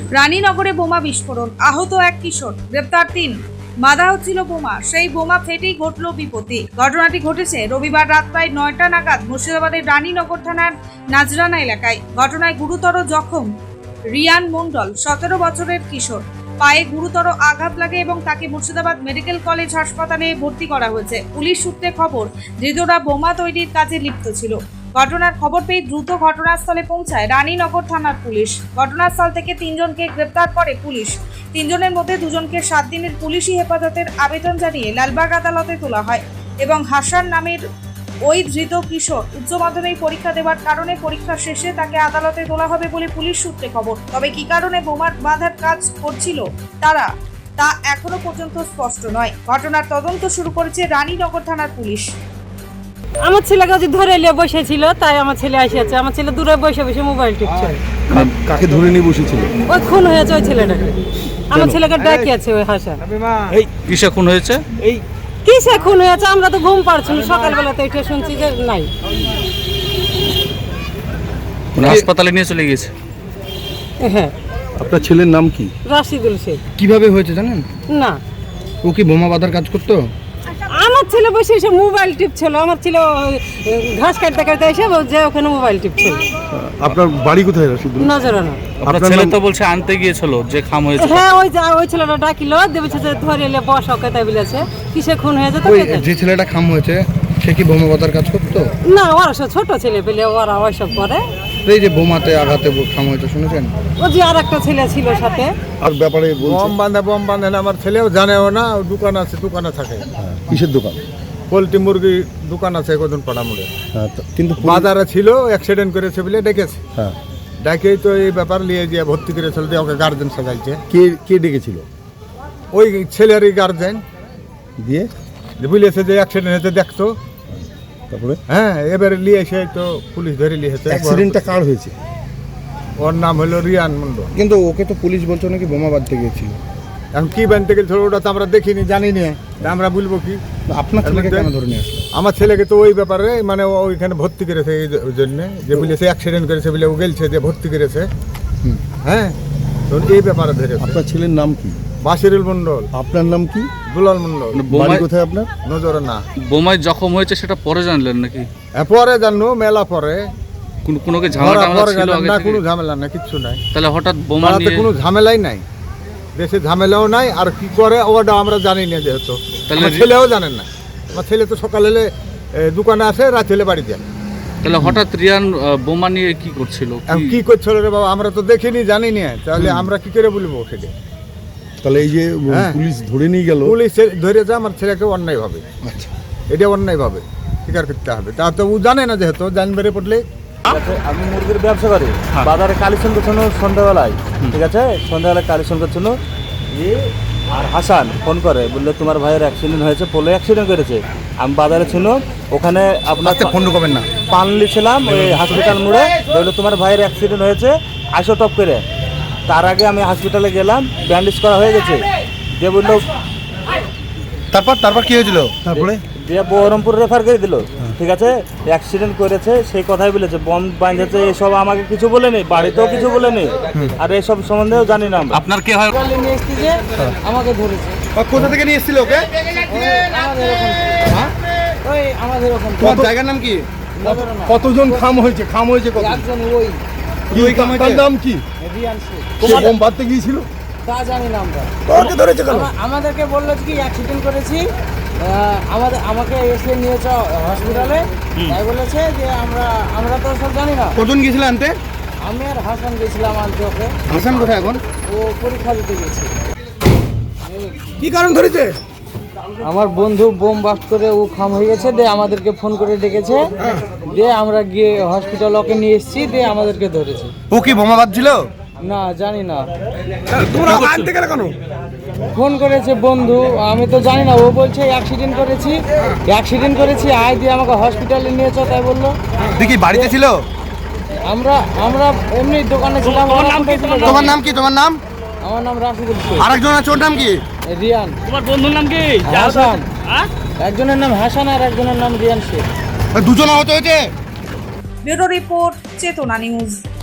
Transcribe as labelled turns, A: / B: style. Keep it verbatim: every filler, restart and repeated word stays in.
A: রানীনগরে বোমা বিস্ফোরণ, আহত এক কিশোর, গ্রেপ্তার তিন। বাধা হচ্ছিল বোমা, সেই বোমা ফেটেই ঘটল বিপত্তি। ঘটনাটি ঘটেছে রবিবার রাত প্রায় নয়টা নাগাদ মুর্শিদাবাদের রানীনগর থানার নাজরানা এলাকায়। ঘটনায় গুরুতর জখম রিয়ান মণ্ডল, সতেরো বছরের কিশোর। পায়ে গুরুতর আঘাত লাগে এবং তাকে মুর্শিদাবাদ মেডিকেল কলেজ হাসপাতালে ভর্তি করা হয়েছে। পুলিশ সূত্রে খবর, ধৃতরা বোমা তৈরির কাজে লিপ্ত ছিল। ঘটনার খবর পেয়ে দ্রুত ঘটনাস্থলে পৌঁছায় রানীনগর থানার পুলিশ। ঘটনাস্থল থেকে তিনজনকে গ্রেপ্তার করে পুলিশ। তিনজনের মধ্যে দুজনকে সাত দিনের পুলিশি হেফাজতের আবেদন জানিয়ে লালবাগ আদালতে তোলা হয় এবং হাসান নামের ওই ধৃত কিশোর উচ্চ মাধ্যমিক পরীক্ষা দেওয়ার কারণে পরীক্ষা শেষে তাকে আদালতে তোলা হবে বলে পুলিশ সূত্রে খবর। তবে কি কারণে বোমা বাঁধার কাজ করছিল তারা, তা এখনো পর্যন্ত স্পষ্ট নয়। ঘটনার তদন্ত শুরু করেছে রানীনগর থানার পুলিশ।
B: আমার ছেলেকে যে ধরে নিয়ে বসেছিল, তাই আমার ছেলে আসিয়াছে। আমার ছেলে দূরে বসে বসে মোবাইল টিপছে।
C: কাকে ধরে নিয়ে বসেছিল?
B: ওই খুন হয়েছে ওই ছেলেটাকে। আমার ছেলেকে ডাকি আছে ওই হাসান।
D: এই কিসে খুন হয়েছে? এই
B: কিসে খুন হয়েছে আমরা তো ঘুম পাচ্ছি না, সকালবেলাতে এটা শুনছি যে নাই।
D: হাসপাতালে নিয়ে চলে গেছে।
B: হ্যাঁ।
C: আপনার ছেলের নাম কি?
B: রাশিদুল শেখ।
E: কিভাবে হয়েছে জানেন?
B: না,
E: ও কি বোমা বাঁধার কাজ করতো?
B: আমার ছেলে বসে এসে মোবাইল টিপছিল। আমার ছেলে ঘাস কাটতে কাটতে এসে যে ওখানে মোবাইল টিপছিল।
C: আপনার বাড়ি কোথায় রাশিদুল?
B: নজরানা।
D: আপনার ছেলে তো বলছে আনতে গিয়েছিল যে খাম হয়েছে।
B: হ্যাঁ, ওই যে ওই ছেলেটা ডাকিল, দেবেছে যে ধরে এলে বস ওকে, তাই বলেছে কিসে খুন হয়েছে তো।
E: ওই যে ছেলেটা খাম হয়েছে সে কি বোমা বাঁধার কাজ করতো?
B: না, ওরা সব ছোট ছেলে পেলে, ওরা ওইসব করে।
E: এই যে বোমাতে আঘাতে খাম হয়েছে শুনেছেন?
B: ও যে আর একটা ছেলে ছিল সাথে।
C: আর ব্যাপারে বলছে
F: বম বাঁধে বম বাঁধে না, আমার ছেলেও জানেও না। দোকান আছে, দোকানে থাকে।
C: কিসের দোকান?
F: পোলট্রি মুরগি দোকান আছে কদিন পাড়া মোড়ে।
C: হ্যাঁ, তো- কিন্তু পুলিশ-
F: বাজারে ছিল, অ্যাক্সিডেন্ট করেছে বলে ডেকেছে।
C: হ্যাঁ,
F: ডাকেই তো এই ব্যাপার নিয়ে গিয়ে ভর্তি করেছিল, দিয়ে ওকে গার্জেন সাজাইছে।
C: কে কে ডেকেছিল?
F: ওই ছেলেরই গার্জেন
C: দিয়ে
F: বলেছে যে অ্যাক্সিডেন্ট হয়েছে দেখতো।
C: তারপরে
F: হ্যাঁ, এবারে নিয়ে এসে তো পুলিশ ধরে নিয়েছে।
C: অ্যাক্সিডেন্টটা কার হয়েছে?
F: ওর নাম হলো রিয়ান মন্ডল।
E: কিন্তু ওকে তো পুলিশ বলছো নাকি বোমা বাঁধতে গিয়েছিল।
F: এখন কি বানতে গেছিল ওটা তো আমরা দেখিনি, জানি না, তা আমরা বলবো কি?
E: আপনার ছেলেকে কেন ধরে নিয়ে আসলো?
F: আমার ছেলেকে তো ওই ব্যাপারে মানে ও ওইখানে ভর্তি করেছে এই জন্য যে বলেছে অ্যাক্সিডেন্ট করেছে বলে ও গেলছে যে ভর্তি করেছে।
E: হুম।
F: হ্যাঁ, তো এই ব্যাপারে ধরেছে।
C: আপনার ছেলের নাম কি?
F: বাসিরুল মন্ডল।
C: আপনার নাম কি?
F: দুলাল মন্ডল।
C: বাড়ি
D: বোমায়
C: কোথায় আপনার?
F: নজরে না।
D: বোমায় জখম হয়েছে সেটা পরে জানলেন নাকি?
F: হ্যাঁ, পরে জানো, মেলা পরে।
D: কোন কোনো কি ঝামেলা
F: ধরা
D: টামেলা
F: পরে
D: ছিল
F: গেলাম
D: আগে
F: না,
D: থেকে?
F: কোনো ঝামেলা না, কিচ্ছু নাই।
D: তাহলে হঠাৎ বোমা
F: পাড়াতে
D: নিয়ে
F: কোনো ঝামেলাই নাই, দেশে ঝামেলাও নাই। আর কি করে ওটা আমরা জানি না, যেহেতু
D: তাহলে
F: আমার ছেলেও জানেন না। আমার ছেলে তো সকালে এলে, এ, দোকানে আসে, রাত হলে বাড়ি যায়।
D: তাহলে হঠাৎ রিয়ান আহ, বোমা নিয়ে কি করছিল?
F: এখন
D: কি-
F: কি করছিল রে বাবা, আমরা তো দেখিনি, জানি না, তাহলে আমরা কি করে বলবো সেটা?
C: তাহলে এই যে
F: হ্যাঁ।
C: পুলিশ ধরে নিয়ে গেল,
F: পুলিশ ধরে যা আমার ছেলেকে অন্যায় ভাবে,
C: আচ্ছা,
F: এটা অন্যায় ভাবে স্বীকার করতে হবে। তা তো ও জানে না, যেহেতু জানবে পড়লে।
G: আমি মুরগির ব্যবসা করি, বাজারে কালেকশন করছিল সন্ধ্যাবেলায়। ঠিক আছে, সন্ধ্যাবেলায় কালেকশন করছিল যে, আর হাসান ফোন করে বললো তোমার ভাইয়ের অ্যাক্সিডেন্ট হয়েছে, পোলে অ্যাক্সিডেন্ট করেছে। আমি বাজারে ছিল, ওখানে আপনার
E: ফোন করবেন না,
G: পানলি ছিলাম ওই হসপিটাল মোড়ে। বললো তোমার ভাইয়ের অ্যাক্সিডেন্ট হয়েছে, আসো টপ করে। তার আগে আমি হসপিটালে গেলাম, ব্যান্ডেজ করা হয়ে গেছে। দিয়ে বললো,
E: তারপর তারপর কি হয়েছিল? তারপরে
G: দিয়ে বহরমপুর রেফার করে দিল। ঠিক আছে, অ্যাক্সিডেন্ট করেছে সেই কথাই বলেছে, বম বাঁধেছে, এসব আমাকে কিছু বলেনি, বাড়িতেও কিছু বলেনি, আর এসব সম্বন্ধেও জানি না আমরা।
D: আপনার কি হয়?
B: আমাকে ধরেছে।
E: কোথা থেকে নিয়ে এসেছিল ওকে?
B: ওই আমাদের ওখানে
E: তোমার জায়গার নাম কি? কতজন খাম হয়েছে? খাম হয়েছে কত?
B: একজন ওই
E: কি ওই খাম হয়েছে? নাম কি?
B: রিয়ান শেখ।
C: সে বোম বাঁধতে গিয়েছিল?
B: তা জানি না আমরা।
C: তোকে ধরেছে কেন?
B: আমা- আমাদেরকে বললো কি অ্যাক্সিডেন্ট করেছি, আহ, আমাদের আমাকে এসে নিয়েছে হসপিটালে। তাই বলেছে যে আমরা আমরা তো সব জানি না।
E: কজন গিয়েছিল আনতে?
B: আমি আর হাসান গেছিলাম আনতে ওকে।
E: হাসান কোথায় এখন?
B: ও পরীক্ষা দিতে গেছে।
E: কি কারণ ধরেছে?
B: আমার বন্ধু বোম বাস্ট করে ও খাম হয়ে গেছে, দিয়ে আমাদেরকে ফোন করে ডেকেছে, দিয়ে আমরা গিয়ে হসপিটাল ওকে নিয়ে এসেছি, দিয়ে আমাদেরকে ধরেছে।
E: ও কি বোমা বাঁধছিল?
B: না, জানি না।
E: তোমরা আনতে গেলে কেন?
B: ফোন করেছে বন্ধু, আমি তো জানি না। ও বলছে অ্যাক্সিডেন্ট করেছি, অ্যাক্সিডেন্ট করেছি, আয় দিয়ে আমাকে হসপিটালে নিয়েছ, তাই বললো।
E: দেখি বাড়িতে ছিল?
B: আমরা আমরা এমনি দোকানে ছিলাম।
E: তোমার নাম কি? তোমার নাম?
B: আমার নাম রাশিদুল শেখ।
E: আরেকজন আছে, ওর নাম কি?
B: রিয়ান। তোমার বন্ধুর নাম কি? হাসান। একজনের নাম হাসান আর একজনের নাম রিয়ান শেখ।
E: দুজন আহত হয়েছে।
A: Bureau report, Chetana news.